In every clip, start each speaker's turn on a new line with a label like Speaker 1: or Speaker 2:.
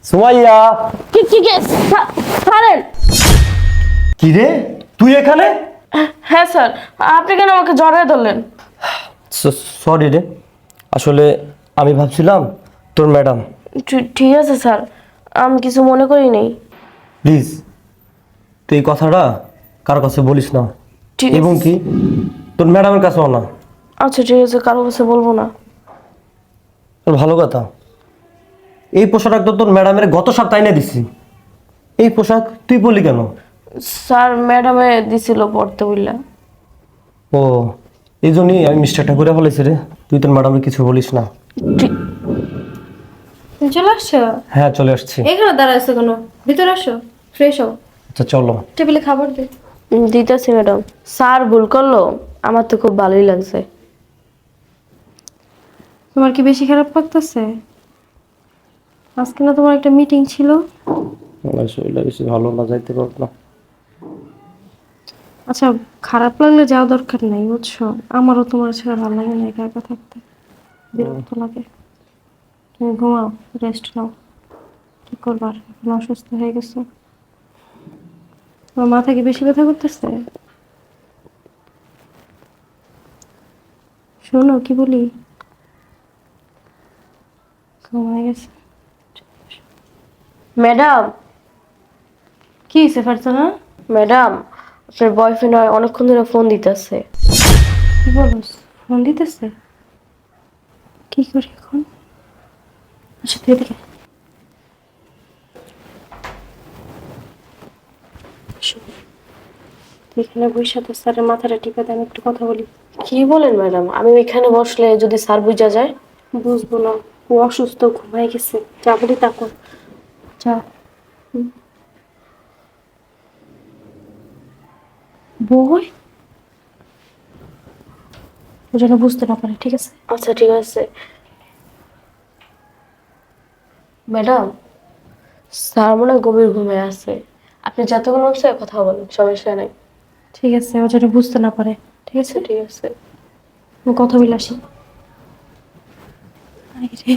Speaker 1: সুমাইয়া,
Speaker 2: কি কি কি ছাড়েন।
Speaker 1: কি রে তুই এখানে?
Speaker 2: হ্যাঁ স্যার, আপনি কেন আমাকে জড়ায় ধরলেন?
Speaker 1: সরি রে, আসলে আমি ভাবছিলাম তোর ম্যাডাম।
Speaker 2: ঠিক আছে স্যার, আমি কিছু মনে করি নেই।
Speaker 1: প্লিজ তুই এই কথাটা কারো কাছে বলিস না,
Speaker 2: ঠিক
Speaker 1: এবং
Speaker 2: আছে।
Speaker 1: কি তোর ম্যাডামের কাছেও না।
Speaker 2: আচ্ছা ঠিক আছে, কারো কাছে বলবো না।
Speaker 1: তোর ভালো কথা, এই পোশাক তো তোর ম্যাডামের গত সপ্তাহে এনে দিছি। এই পোশাক তুই বললি কেন?
Speaker 2: স্যার ম্যাডামে দিছিল পড়তে বললা।
Speaker 1: ও, এই জন্যই আমি মিস্টেকটা করে ফেলেছি রে। তুই তোর ম্যাডামে কিছু বলিস না।
Speaker 2: ঠিক।
Speaker 3: তুমি চলে আসছো?
Speaker 1: হ্যাঁ চলে আসছি।
Speaker 3: এখানে দাঁড়াইছো কেন? ভিতরে আসো, ফ্রেশ হও,
Speaker 1: আচ্ছা চলো।
Speaker 3: টেবিলে খাবার দে।
Speaker 2: দিতেছি ম্যাডাম। স্যার ভুল করলো, আমার তো খুব ভালোই লাগছে।
Speaker 3: তোমার কি বেশি খারাপ লাগতেছে? আজকে না তোমার একটা মিটিং ছিল?
Speaker 1: শরীরটা বেশি ভালো না, যাইতে পারবো না।
Speaker 3: আচ্ছা, খারাপ লাগলে যাওয়া দরকার নাই বুঝছো। আমারও তোমার ছাড়া ভালো লাগে না একা একা থাকতে, বিরক্ত লাগে। তুমি ঘুমাও, রেস্ট নাও। কি করবার, এখন অসুস্থ হয়ে গেছো। তোমার মাথা কি বেশি ব্যথা করতেছে? শোনো কি বলি, ঘুমায় গেছে।
Speaker 2: ম্যাডাম,
Speaker 3: কি হয়েছে ফারজানা?
Speaker 2: ম্যাডাম আপনার বয়ফ্রেন্ড অনেকক্ষণ ধরে ফোন দিতেছে।
Speaker 3: কি বলো, ফোন দিতেছে? কি করি এখন? আচ্ছা তুই এদিকে শোন, তুই এখানে বসে তো স্যারের মাথাটা টিপে দেন, একটু কথা বলি।
Speaker 2: কি বলেন ম্যাডাম? আমি এখানে বসলে যদি স্যার বুঝা যায়?
Speaker 3: বুঝবো না, ও অসুস্থ, ঘুমাই গেছে। যা বলি তা কর, যা। বই ও যেন বুঝতে না পারে, ঠিক আছে?
Speaker 2: আচ্ছা ঠিক আছে ম্যাডাম। স্যার মনে হয় গভীর ঘুমে আছে, আপনি যতক্ষণ হচ্ছে কথা বলেন, সমস্যা নেই।
Speaker 3: ঠিক আছে, ও যেন বুঝতে না পারে, ঠিক আছে?
Speaker 2: আচ্ছা ঠিক আছে।
Speaker 3: আমি কথা বলে আসি। আরে রে,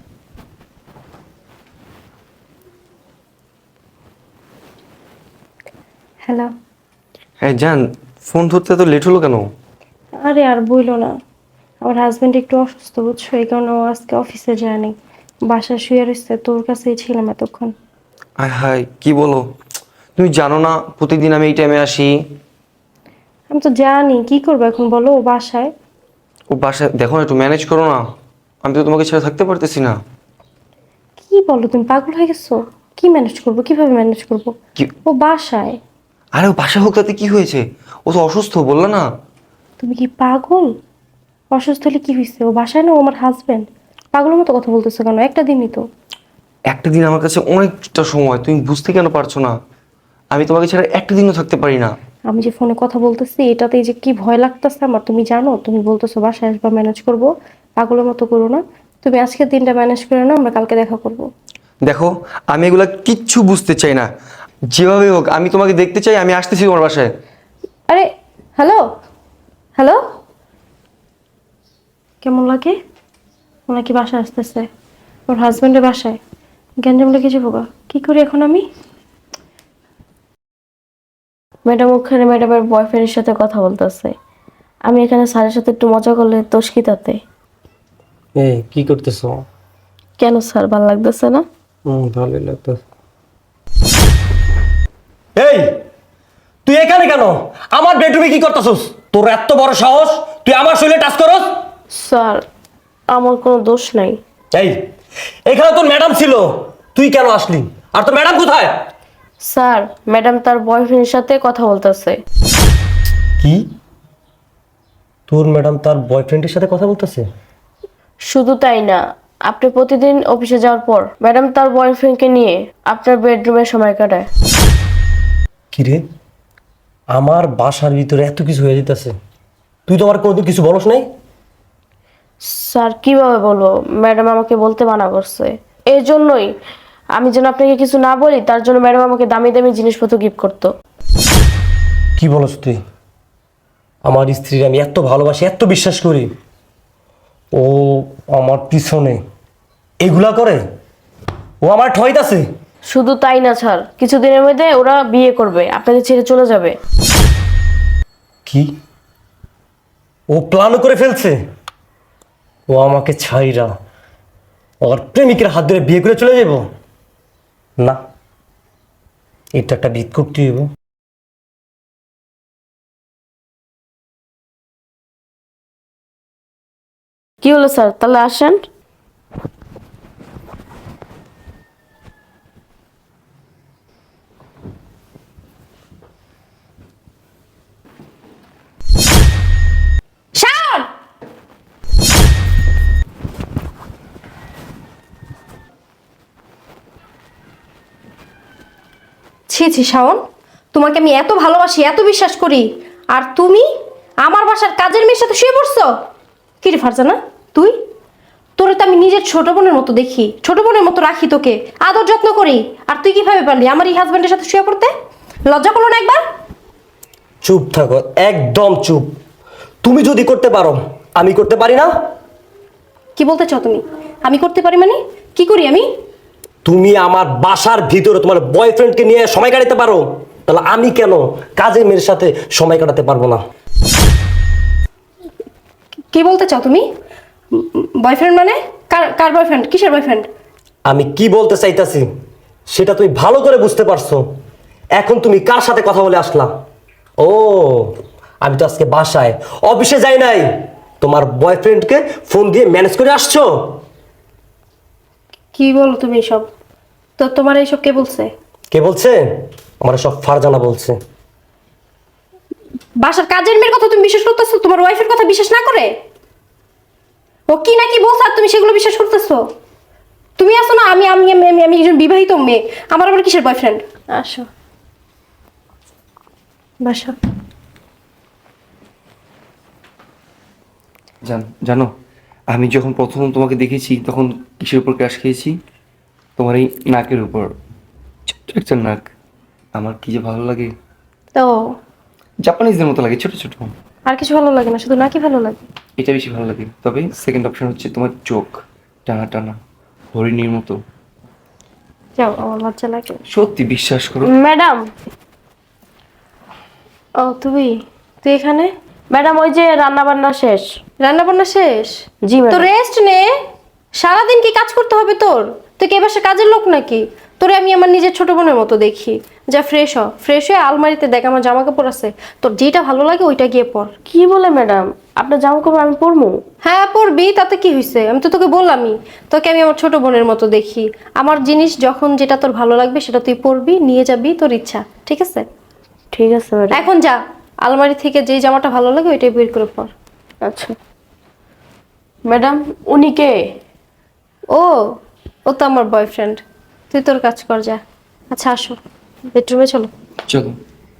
Speaker 3: হ্যালো।
Speaker 4: হ্যাঁ জান, ফোন ধরতে তো লেট হলো কেন?
Speaker 3: আরে আর বইলো না, আমার হাজবেন্ড একটু অসুস্থ বুঝছো, এই কারণে ও আজকে অফিসে যায়নি, বাসায় শুয়ে রয়েছে। তোর কাছেই ছিলাম এতক্ষণ।
Speaker 4: আয় হায়, কি বলো? তুমি জানো না প্রতিদিন আমি এই টাইমে আসি?
Speaker 3: আমি তো জানি, কি করবো এখন বলো, ও বাসায়।
Speaker 4: ও বাসায়, দেখো না একটু ম্যানেজ করো না। আমি তো তোমাকে ছেড়ে থাকতে পারতেছি না।
Speaker 3: কি বলো তুমি, পাগল হয়ে গেছো? কি ম্যানেজ করবো, কিভাবে ম্যানেজ করবো?
Speaker 4: কি?
Speaker 3: ও বাসায়।
Speaker 4: আরে ও বাসায় হোক, তাতে কি হয়েছে? ও তো অসুস্থ, বললা না?
Speaker 3: তুমি কি পাগল? অসুস্থ হলে কি হয়েছে? ও বাসায় না, ও আমার হাজবেন্ড। পাগলের মতো কথা বলতেছো কেন? একটা দিনই তো।
Speaker 4: একটা দিন আমার কাছে অনেকটা সময়, তুমি বুঝতে কেন পারছো না? আমি তোমাকে ছাড়া একটা দিনও থাকতে পারি না।
Speaker 3: আমি যে ফোনে কথা বলতেছি এটাতেই যে কি ভয় লাগতেছে আমার, তুমি জানো? তুমি বলতেছো বাসায় আসবা, ম্যানেজ করবো। পাগলের মতো করো না। তুমি আজকের দিনটা ম্যানেজ করে নাও, আমরা কালকে দেখা করবো।
Speaker 4: দেখো, আমি এগুলা কিচ্ছু বুঝতে চাই না। যেভাবে হোক আমি তোমাকে দেখতে চাই, আমি আসতেছি তোমার বাসায়।
Speaker 3: আরে, হ্যালো, হ্যালো। কেমন লাগে? ওনাকে বাসায় আসতেছে, ওর হাজবেন্ডের বাসায়। গ্যাঞ্জাম লেগেছে বাবা, কি করি এখন আমি?
Speaker 2: ম্যাডাম ওখানে ম্যাডামের বয়ফ্রেন্ডের সাথে কথা বলতেছে, আমি এখানে স্যারের সাথে একটু মজা করলে দোষ কি তাতে?
Speaker 1: এই কি করতেছো?
Speaker 2: কেন স্যার, ভালো লাগতেছে না?
Speaker 1: ভালোই লাগতো। এই তুই এখানে কেন? আমার বেডরুমে কি করতেছস? তোর এত বড় সাহস, তুই আমার শরীরে টাচ করস?
Speaker 2: স্যার আমার কোনো দোষ নাই।
Speaker 1: এই, এখানে তোর ম্যাডাম ছিল, তুই কেন আসলি? আর তোর ম্যাডাম কোথায়?
Speaker 2: স্যার ম্যাডাম তার বয়ফ্রেন্ডের সাথে কথা বলতেছে।
Speaker 1: কি? তোর ম্যাডাম তার বয়ফ্রেন্ডের সাথে কথা বলতেছে?
Speaker 2: শুধু তাই না, আপনি প্রতিদিন অফিসে যাওয়ার পর ম্যাডাম তার বয়ফ্রেন্ডকে নিয়ে আপনার বেডরুমে সময় কাটায়।
Speaker 1: কি রে, আমার বাসার ভিতরে এত কিছু হয়ে যেতেছে, তুই তো আমার কোনোদিন কিছু বলস নাই?
Speaker 2: স্যার কিভাবে বলবো, ম্যাডাম আমাকে বলতে মানা করছে। এই জন্যই আমি যেন আপনাকে কিছু না বলি, তার জন্য ম্যাডাম আমাকে দামি দামি জিনিসপত্র গিফট করতো।
Speaker 1: কি বলস তুই? আমার স্ত্রীর আমি এত ভালোবাসি, এত বিশ্বাস করি, ও আমার পিছনে এগুলা করে? ও আমার ঠইতাছে।
Speaker 2: শুধু তাই না স্যার, কিছুদিনের মধ্যে ওরা বিয়ে করবে, আপনাকে ছেড়ে চলে যাবে।
Speaker 1: কি? ও প্ল্যানও করে ফেলছে? ও আমাকে ছাইরা ওর প্রেমিকের হাত ধরে বিয়ে করে চলে যাব? না, এটা একটা বিদ করতে হইব।
Speaker 2: কি হলো স্যার, তাহলে আসেন। শাওন!
Speaker 3: ছি ছি শাওন, তোমাকে আমি এত ভালোবাসি, এত বিশ্বাস করি, আর তুমি আমার বাসার কাজের মেয়ের সাথে শুয়ে পড়ছো। কি রে ফারজানা, তুই? তোরে তো আমি নিজের ছোট বোনের মতো দেখি, ছোট বোনের মতো রাখি, তোকে আদর যত্ন করি, আর তুই কিভাবে পারলি আমার এই হাজবেন্ডের সাথে শুয়ে পড়তে? লজ্জা করলো না একবার?
Speaker 1: চুপ থাকো, একদম চুপ। তুমি যদি করতে পারো, আমি করতে পারি না?
Speaker 3: কি বলতে চাও তুমি? আমি করতে পারি মানে কি করি আমি?
Speaker 1: তুমি আমার বাসার ভিতরে তোমার বয়ফ্রেন্ডকে নিয়ে সময় কাটাতে পারো, তাহলে আমি কেন কাজের মেয়ের সাথে সময় কাটাতে পারবো না?
Speaker 3: কি বলতে চাও তুমি? বয়ফ্রেন্ড মানে? কার কার বয়ফ্রেন্ড? কিসের বয়ফ্রেন্ড?
Speaker 1: আমি কি বলতে চাইতাছি সেটা তুমি ভালো করে বুঝতে পারছো। এখন তুমি কার সাথে কথা বলে আসলা? ও, আমি তো আজকে বাসায় অফিসে যাই নাই, তোমার বয়ফ্রেন্ডকে ফোন দিয়ে ম্যানেজ করে আসছো।
Speaker 3: কি বলো তুমি এসব? তো তোমার এইসব কে বলছে?
Speaker 1: কে বলছে? আমার সব ফারজানা বলছে।
Speaker 3: বাসার কাজের মেয়ের কথা তুমি বিশ্বাস করতেছো, তোমার ওয়াইফের কথা বিশ্বাস না করে? ও কি না কি বলছে আর তুমি সেগুলো বিশ্বাস করতেছো? তুমি আসো না, আমি আমি আমি আমি একজন বিবাহিত মেয়ে, আমার আবার কিসের বয়ফ্রেন্ড? আসো বাসা।
Speaker 4: জানো, আমি যখন প্রথম তোমাকে দেখেছি তখন কিসের উপর ক্রাশ খেয়েছি? তোমার এই নাকের উপর, ছোট্ট একটা নাক। আমার কি যে ভালো লাগে,
Speaker 3: তো
Speaker 4: জাপানিজদের মতো লাগে, ছোট ছোট।
Speaker 3: আর কিছু ভালো লাগে না, শুধু নাকি ভালো লাগে?
Speaker 4: এটা বেশি ভালো লাগে। তবে সেকেন্ড অপশন হচ্ছে তোমার চোখ, টানা টানা হরিণীর মতো।
Speaker 3: যাও, আমার লজ্জা লাগে।
Speaker 4: সত্যি বিশ্বাস করো।
Speaker 2: ম্যাডাম,
Speaker 3: ও তুই তুই এখানে?
Speaker 2: ম্যাডাম ওই যে রান্না বান্না শেষ।
Speaker 3: রান্না বান্না শেষ?
Speaker 2: জি
Speaker 3: তো
Speaker 2: ম্যাডাম।
Speaker 3: রেস্ট নে। সারাদিন কি কাজ করতে হবে তোর? তুই কি এবার কাজের লোক নাকি? তোরে আমি আমার নিজের ছোট বোনের মতো দেখি। যা ফ্রেশ হ, ফ্রেশ হয়ে আলমারিতে দেখ আমার জামা কাপড় আছে, তোর যেটা ভালো লাগে ওইটা গিয়ে পর।
Speaker 2: কি বলে ম্যাডাম, আপনার জামা কাপড় আমি পরবো?
Speaker 3: হ্যাঁ পরবি, তাতে কি হয়েছে? আমি তো তোকে বললামই, তোকে আমি আমার ছোট বোনের মতো দেখি। আমার জিনিস যখন যেটা তোর ভালো লাগবে সেটা তুই পরবি, নিয়ে যাবি, তোর ইচ্ছা, ঠিক আছে?
Speaker 2: ঠিক আছে ম্যাডাম।
Speaker 3: এখন যা, আলমারি থেকে যেই জামাটা ভালো লাগে ওইটাই বের করে পর।
Speaker 2: আচ্ছা ম্যাডাম, উনি কে?
Speaker 3: ও, ও তো আমার বয়ফ্রেন্ড। তুই তোর কাজ কর, যা। আচ্ছা আসো, বেডরুমে চলো।
Speaker 4: চলো।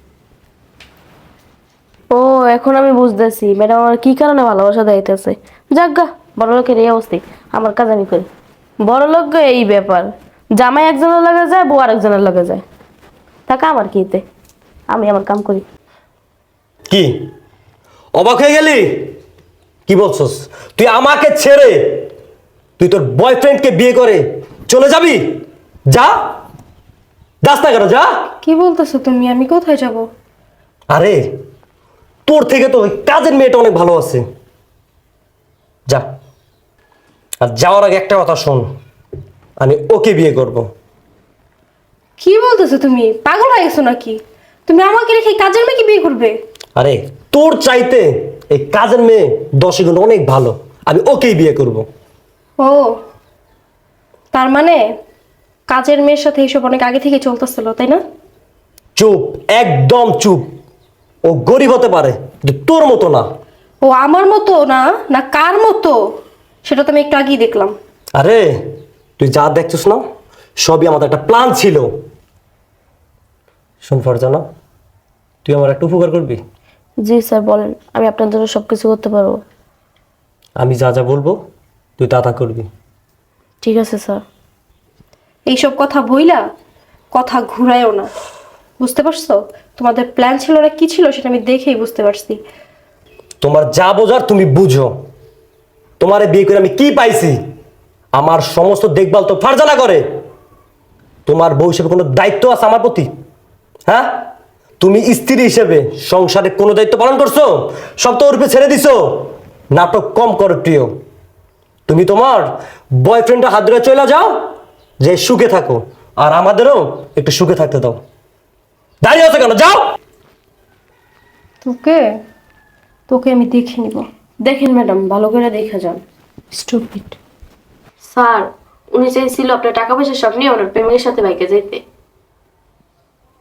Speaker 2: ও, এখন আমি বুঝতেছি ম্যাডাম আমার কি কারণে ভালোবাসা দেখাইতেছে। যাজ্ঞা, বড় লোকের এই অবস্থা, আমার কাজ আমি করি। বড় লোক গো এই ব্যাপার, জামাই একজনের লাগে যায়, বউ আরেকজনের লাগে যায়, টাকা আমার কিতে, আমি আমার কাম করি।
Speaker 1: কি অবাক হয়ে গেলি? কি বলছস? তুই আমাকে ছেড়ে তুই তোর বয়ফ্রেন্ডকে বিয়ে করে চলে যাবি? যা, যাস না কেন, যা।
Speaker 3: কি বলতেছো তুমি? আমি কোথায় যাব?
Speaker 1: আরে তোর থেকে তো ওই কাজের মেয়েটা অনেক ভালো আছে, যা। আর যাওয়ার আগে একটা কথা শোন, আমি ওকে বিয়ে করব।
Speaker 3: কি বলতেছো তুমি? পাগল হয়ে গেছো নাকি? তুমি আমাকে রেখে এই কাজের মেয়েকে বিয়ে করবে?
Speaker 1: আরে তোর চাইতে এই কাজের মেয়ে 10 গুণ অনেক ভালো, আমি ওকেই বিয়ে করব।
Speaker 3: ও, তার মানে কাজের মেয়ের সাথে এইসব অনেক আগে থেকে চলতেছিল, তাই না?
Speaker 1: চুপ, একদম চুপ। ও গরিব হতে পারে কিন্তু তোর মতো না।
Speaker 3: ও আমার মতো না? না কার মতো? সেটা তো আমি একটু আগেই দেখলাম।
Speaker 1: আরে তুই যা দেখছিস না, সবই আমাদের একটা প্ল্যান ছিল। শোন ফারজানা, তুই আমার একটা উপকার করবি?
Speaker 2: জি স্যার বলেন, আমি আপনার জন্য সবকিছু করতে পারবো।
Speaker 1: আমি যা যা বলবো তুই তা তা করবি।
Speaker 2: ঠিক আছে স্যার।
Speaker 3: এইসব কথা বইলা কথা ঘুরায়ও না, বুঝতে পারছো? তোমাদের প্ল্যান ছিল না কি ছিল সেটা আমি দেখেই বুঝতে পারছি।
Speaker 1: তোমার যা বোঝার তুমি বুঝো। তোমারে বিয়ে করে আমি কি পাইছি? আমার সমস্ত দেখভাল তো ফারজানা করে। তোমার বউ হিসেবে কোনো দায়িত্ব আছে আমার প্রতি? হ্যাঁ, তুমি স্ত্রী হিসেবে সংসারে কোনো দায়িত্ব পালন করছো? সব তো ওর উপরে ছেড়ে দিছো। নাটক কম করো প্রিয়। তুমি তোমার বয়ফ্রেন্ডের হাত ধরে চলে যাও, যে সুখে থাকো, আর আমাদেরও একটু সুখে থাকতে দাও। দাঁড়িয়ে আছো কেন? যাও।
Speaker 3: তোকে তোকে আমি দেখে নিব।
Speaker 2: দেখেন ম্যাডাম, ভালো করে দেখা যান।
Speaker 3: স্টুপিড।
Speaker 2: স্যার, উনি চাইছিল আপনার টাকা পয়সা সব নিয়ে ওনার প্রেমিকের সাথে বাইকে যেতে।